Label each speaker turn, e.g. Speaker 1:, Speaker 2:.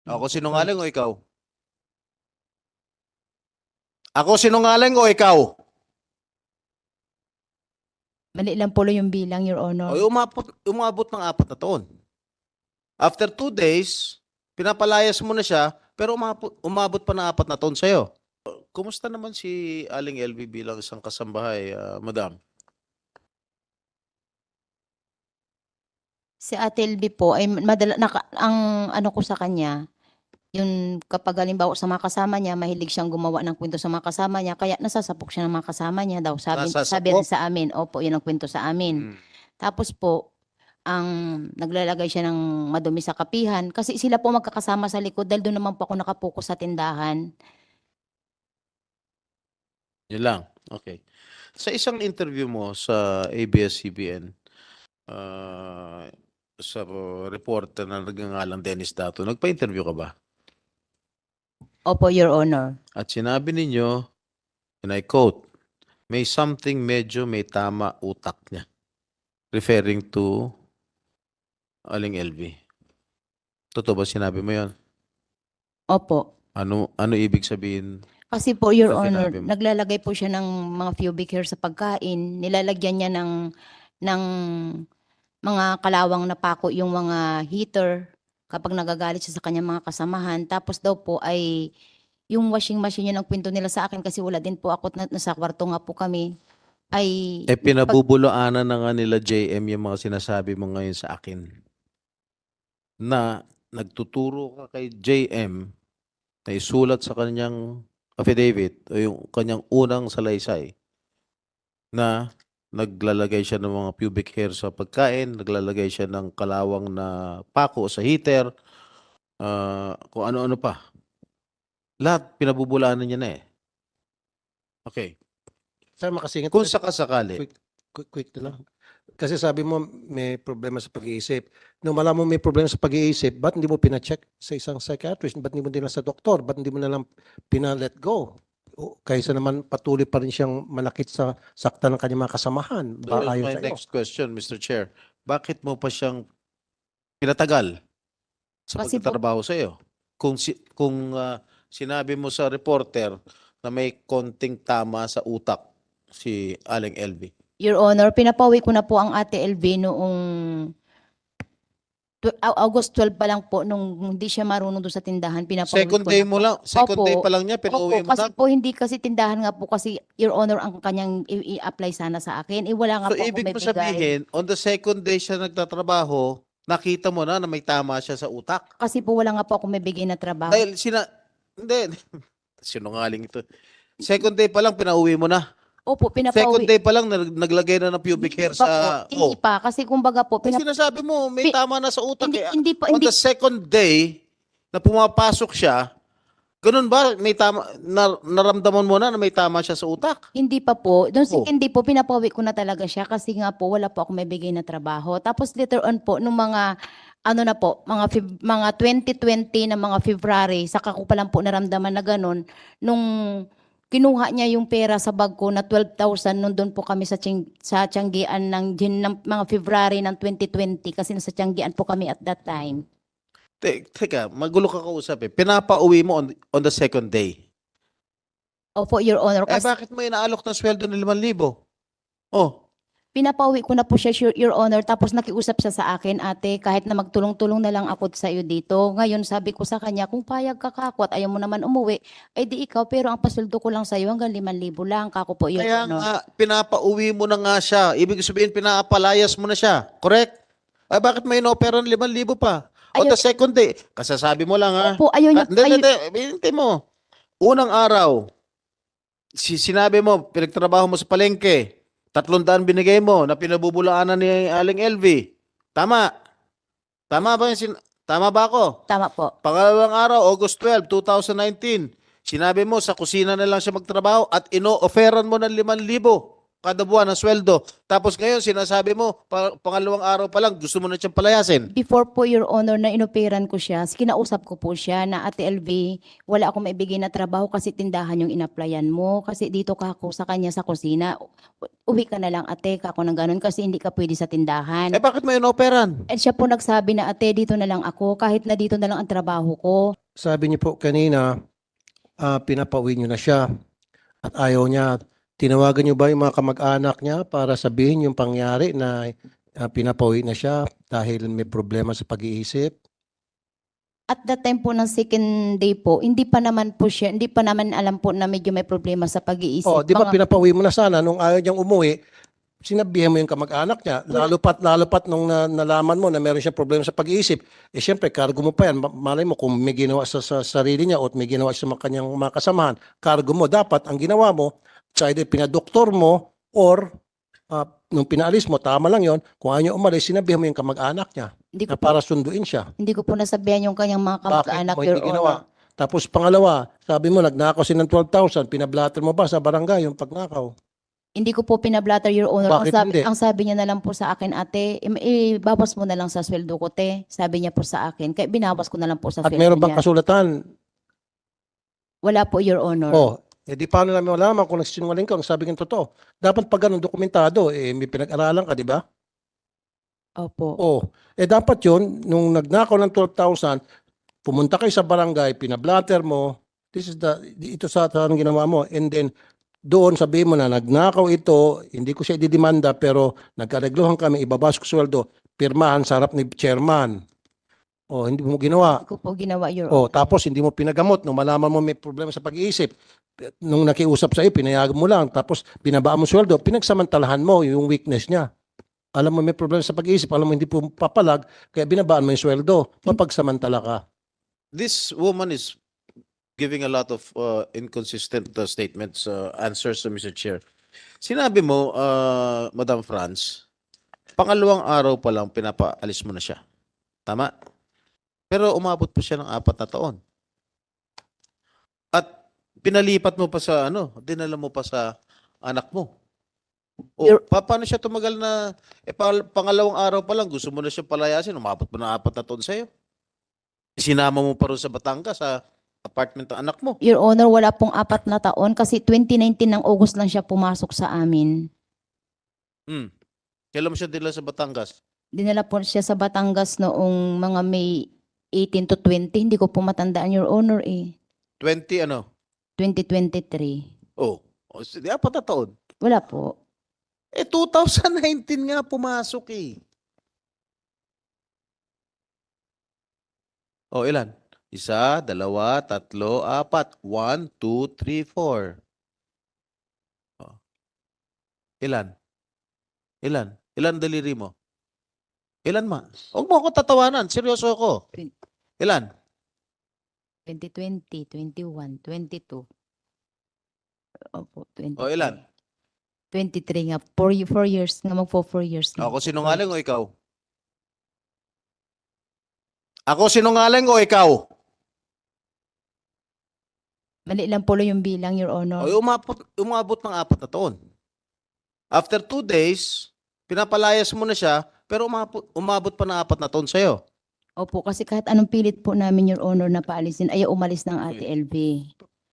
Speaker 1: Ako
Speaker 2: Opo,
Speaker 1: sinungaling o ikaw? Ako sinungaling o ikaw?
Speaker 2: mali lang po yung bilang, Your Honor.
Speaker 1: O umabot ng 4 na taon. After 2 days, pinapalayas mo na siya, pero umabot pa ng 4 na taon sa'yo. Kumusta naman si Aling LV bilang isang kasambahay, madam?
Speaker 2: Si Ate LB po ay ang ano ko sa kanya, yung kapag halimbawa sa mga kasama niya, mahilig siyang gumawa ng kwento sa mga kasama niya, kaya nasasapok siya ng mga kasama niya daw. Sabi rin
Speaker 1: Nasasapok?
Speaker 2: sa amin, opo, yun ang kwento sa amin.
Speaker 1: Mm.
Speaker 2: Tapos po, ang naglalagay siya ng madumi sa kapihan kasi sila po magkakasama sa likod dahil doon naman po ako nakapokus sa tindahan.
Speaker 1: Yun lang. Okay. Sa isang interview mo sa ABS-CBN, sa reporter na nagngangalang Dennis Dato, nagpa-interview ka ba?
Speaker 2: Opo, Your Honor.
Speaker 1: At sinabi ninyo, and I quote, may something medyo may tama utak niya. Referring to Aling LV. Totoo ba sinabi mo yon?
Speaker 2: Opo.
Speaker 1: Ano ibig sabihin?
Speaker 2: Kasi po, Your
Speaker 1: Sa
Speaker 2: Honor,
Speaker 1: sinabi mo.
Speaker 2: naglalagay po siya ng mga pubic hair sa pagkain. Nilalagyan niya ng mga kalawang na pako yung mga heater kapag nagagalit siya sa kanyang mga kasamahan. Tapos daw po ay yung washing machine yun ang kwento nila sa akin kasi wala din po ako at nasa kwarto nga po kami. Ay,
Speaker 1: Pinabubulaanan na nga nila JM yung mga sinasabi mo ngayon sa akin. Na nagtuturo ka kay JM na isulat sa kanyang affidavit o yung kanyang unang salaysay na naglalagay siya ng mga pubic hair sa pagkain, naglalagay siya ng kalawang na pako sa heater, kung ano-ano pa. Lahat pinabubulaanan niya na eh. Okay.
Speaker 3: Sir, makasingit
Speaker 1: Kung
Speaker 3: ulit.
Speaker 1: sakasakali,
Speaker 3: Quick na lang. Kasi sabi mo may problema sa pag-iisip. Nung malaman mo may problema sa pag-iisip, ba't hindi mo pina-check sa isang psychiatrist? Ba't hindi mo din sa doktor? Ba't hindi mo na lang pina-let go? Kaysa naman patuloy pa rin siyang manakit sa sakta ng kanyang mga kasamahan.
Speaker 1: so
Speaker 3: Ayon
Speaker 1: my
Speaker 3: sa iyo.
Speaker 1: next question, Mr. Chair, bakit mo pa siyang pinatagal sa
Speaker 2: Kasi po-
Speaker 1: pagtatrabaho sa iyo? Kung sinabi mo sa reporter na may konting tama sa utak si Aling LV.
Speaker 2: Your Honor, pinapawi ko na po ang Ate LV noong August 12 pa lang po nung hindi siya marunong doon sa tindahan. Pinapauwi
Speaker 1: Second
Speaker 2: ko
Speaker 1: day
Speaker 2: na
Speaker 1: mo
Speaker 2: po.
Speaker 1: lang, second
Speaker 2: Opo.
Speaker 1: day pa lang niya, pinauwi
Speaker 2: Opo,
Speaker 1: mo
Speaker 2: kasi
Speaker 1: na.
Speaker 2: po hindi kasi tindahan nga po kasi Your Honor ang kanyang i-apply sana sa akin. Wala nga
Speaker 1: So
Speaker 2: po ako
Speaker 1: ibig mo
Speaker 2: may bigay.
Speaker 1: sabihin, on the second day siya nagtatrabaho, nakita mo na may tama siya sa utak.
Speaker 2: Kasi po wala nga po ako may bigay na trabaho.
Speaker 1: Dahil hindi, sinungaling ito. Second day pa lang, pinauwi mo na.
Speaker 2: Opo,
Speaker 1: Second
Speaker 2: pinapauwi.
Speaker 1: day pa lang, naglagay na ng pubic hair
Speaker 2: Pa po,
Speaker 1: sa...
Speaker 2: hindi pa. Kasi kumbaga po,
Speaker 1: Ay, sinasabi mo, may tama na sa utak.
Speaker 2: hindi po,
Speaker 1: On
Speaker 2: hindi,
Speaker 1: the second day na pumapasok siya, ganun ba? May tama, naramdaman mo na may tama siya sa utak?
Speaker 2: hindi pa po. Doon
Speaker 1: Oh.
Speaker 2: hindi po, pinapauwi ko na talaga siya kasi nga po, wala po ako may bigay na trabaho. Tapos later on po, nung mga, ano na po, mga 2020 na mga February, saka ko pa lang po naramdaman na ganun, nung kinuha niya yung pera sa bag ko na 12,000 nung doon po kami sa Tianggian ng mga February ng 2020 kasi nasa Tianggian po kami at that time.
Speaker 1: Teka, magulo ka kausap eh. Pinapauwi mo on the second day.
Speaker 2: Opo, Your Honor. Kasi
Speaker 1: Bakit mo inaalok ng sweldo ng 5,000? Oh,
Speaker 2: pinapauwi ko na po siya, Your Honor, tapos nakiusap siya sa akin, ate, kahit na magtulong-tulong na lang ako sa iyo dito. Ngayon, sabi ko sa kanya, kung payag ka kako at ayaw mo naman umuwi, ay di ikaw, pero ang pasweldo ko lang sa iyo hanggang 5,000 lang, kako po, Your
Speaker 1: kaya
Speaker 2: Honor.
Speaker 1: nga, pinapauwi mo na nga siya. Ibig sabihin, pinaapalayas mo na siya. Correct? Ay, bakit may inopera ng 5,000 pa? On the second day, kasasabi mo lang ha.
Speaker 2: Opo, ayaw niya,
Speaker 1: Hindi mo. Unang araw, sinabi mo, pinagtrabaho mo sa palengke, 300 binigay mo na pinabubulaanan ni Aling LV. Tama. Tama ba tama ba ako?
Speaker 2: tama po.
Speaker 1: Pangalawang araw, August 12, 2019, sinabi mo sa kusina na lang siya magtrabaho at ino-offeran mo ng 5,000. kada buwan ng sweldo. Tapos ngayon, sinasabi mo, pangalawang araw pa lang, gusto mo na siyang palayasin.
Speaker 2: Before po, Your Honor, na inoperan ko siya, kinausap ko po siya na, Ate LV, wala akong maibigay na trabaho kasi tindahan yung inaplayan mo. Kasi dito ka ako sa kanya sa kusina. Uwi ka na lang, ate, kako ng ganun kasi hindi ka pwede sa tindahan.
Speaker 1: Eh bakit mo inoperan?
Speaker 2: At siya po nagsabi na, ate, dito na lang ako, kahit na dito na lang ang trabaho ko.
Speaker 3: Sabi niyo po kanina, pinapauwi niyo na siya at ayaw niya. Tinawagan niyo ba yung mga kamag-anak niya para sabihin yung pangyari na pinapauwi na siya dahil may problema sa pag-iisip?
Speaker 2: At that time po ng second day po, hindi pa naman alam po na medyo may problema sa pag-iisip.
Speaker 3: Oh, di ba
Speaker 2: Mga-
Speaker 3: pinapauwi mo na sana nung ayaw niyang umuwi, sinabihan mo yung kamag-anak niya. Lalo pat nung nalaman mo na meron siyang problema sa pag-iisip. Eh syempre, cargo mo pa yan. Malay mo kung may ginawa sa sarili niya o may ginawa sa mga kanyang mga kasamahan, cargo mo. Dapat ang ginawa mo, sa either pinadoktor mo or nung pinaalis mo, tama lang yon. Kung ayaw niya umalis, sinabihan mo yung kamag-anak niya
Speaker 2: hindi
Speaker 3: na
Speaker 2: ko po,
Speaker 3: para sunduin siya.
Speaker 2: hindi ko po nasabihan yung kanyang mga
Speaker 3: Bakit
Speaker 2: kamag-anak,
Speaker 3: mo
Speaker 2: Your
Speaker 3: hindi ginawa?
Speaker 2: Honor.
Speaker 3: Tapos pangalawa, sabi mo nagnakaw si ng 12,000, pinablatter mo ba sa barangay yung pagnakaw?
Speaker 2: Hindi ko po pinablatter, Your Honor.
Speaker 3: Bakit hindi?
Speaker 2: Ang sabi niya na lang po sa akin, ate, ibawas mo na lang sa sweldo ko, te. Sabi niya po sa akin. Kaya binawas ko na lang po sa
Speaker 3: At
Speaker 2: sweldo
Speaker 3: meron bang
Speaker 2: niya.
Speaker 3: kasulatan?
Speaker 2: Wala po, Your Honor.
Speaker 3: Oh, di paano namin malaman kung nagsinungaling ka, kung sabi ng totoo. Dapat pag ganun dokumentado, may pinag-aralan ka, di ba?
Speaker 2: Opo.
Speaker 3: Oh, dapat yun, nung nagnakaw ng 12,000, pumunta kayo sa barangay, pinablatter mo, ito sa anong ginawa mo, and then doon sabihin mo na nagnakaw ito, hindi ko siya ididimanda, pero nagkareglohan kami, ibabas ko sweldo, pirmahan sa harap ni chairman. Oh, hindi mo ginawa.
Speaker 2: Hindi ko po ginawa, Your
Speaker 3: Oh,
Speaker 2: Honor.
Speaker 3: tapos hindi mo pinagamot nung malaman mo may problema sa pag-iisip. Nung nakiusap sa iyo, pinayagan mo lang. Tapos binabaan mo sweldo, pinagsamantalahan mo yung weakness niya. Alam mo may problema sa pag-iisip, alam mo hindi po papalag, kaya binabaan mo yung sweldo. Mapagsamantala ka.
Speaker 1: This woman is giving a lot of inconsistent statements, answers to Mr. Chair. Sinabi mo, Madam Franz, pangalawang araw pa lang pinapaalis mo na siya. Tama? Pero umabot pa siya ng 4 na taon. At pinalipat mo pa sa dinala mo pa sa anak mo. O,
Speaker 2: Your-
Speaker 1: paano siya tumagal na, pangalawang araw pa lang, gusto mo na siya palayasin, umabot pa ng 4 na taon sa'yo. Sinama mo pa rin sa Batangas, sa apartment ng anak mo.
Speaker 2: Your Honor, wala pong 4 na taon kasi 2019 ng August lang siya pumasok sa amin.
Speaker 1: Kailan mo siya dila sa Batangas?
Speaker 2: Dinala po siya sa Batangas noong mga May 18 to 20. Hindi ko po matandaan, Your Honor,
Speaker 1: 20 ano?
Speaker 2: 2023.
Speaker 1: Oh, 4 na taon.
Speaker 2: Wala po.
Speaker 1: 2019 nga pumasok eh. Oh, ilan? 1, 2, 3, 4. 1, 2, 3, 4. Oh. Ilan? Ilan daliri mo? Ilan ma? Huwag mo ako tatawanan. Seryoso ako. Ilan?
Speaker 2: 2020, 21, 22. Opo, 23.
Speaker 1: O ilan?
Speaker 2: 23 nga. 4 years nga. Magpo 4 years nga.
Speaker 1: Ako sinungaling o ikaw? Ako sinungaling o ikaw?
Speaker 2: Mali lang po yung bilang, Your Honor.
Speaker 1: O umabot ng 4 na taon. After 2 days, pinapalayas mo na siya, pero umabot pa ng 4 na taon sa'yo.
Speaker 2: Opo, kasi kahit anong pilit po namin, Your Honor, na paalisin, ayaw umalis ng Ate LV.